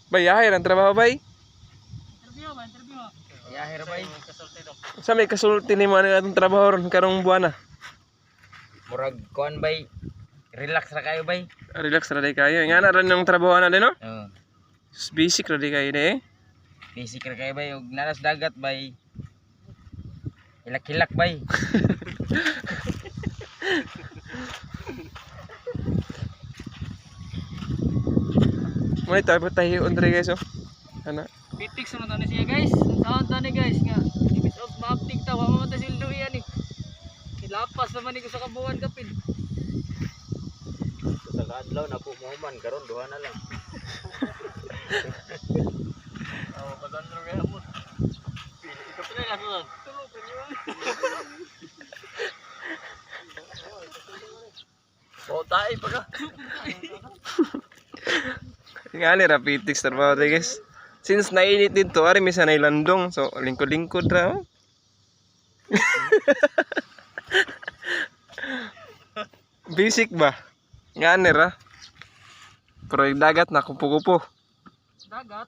Bay, yahir ang trabaho bay. Interview ba? Interview. Yahir bay. Sa may kasulti ni mo atong trabaho ron karong buwan na. Murag kuan bay. Relax ra kayo bay. Relax ra day kayo. Nga na ron yung trabaho na din no? Oo. Basic ra day kayo de. Basic ra kayo bay ug nanas dagat bay. Hilak-hilak bay. May tayo andre guys oh. Ana. Pitix na tani siya guys. Saan tani guys nga. Ibis of maaptik ta wa man ta sildo yan eh. Kilapas naman ni ko sa kabuan kapid. Sa kadlaw na po mo man karon duha na lang. Oh, padandro kaya mo. Ito pala na to. Tulo pa niyo. O tayo pa ka. Nga ni rapitix trabaho day guys. Since nainit din to, ari misa na ilandong. So lingkod-lingkod ra. Oh. Basic ba? Nga ni ra. Pero yung dagat na kupo-kupo. Dagat.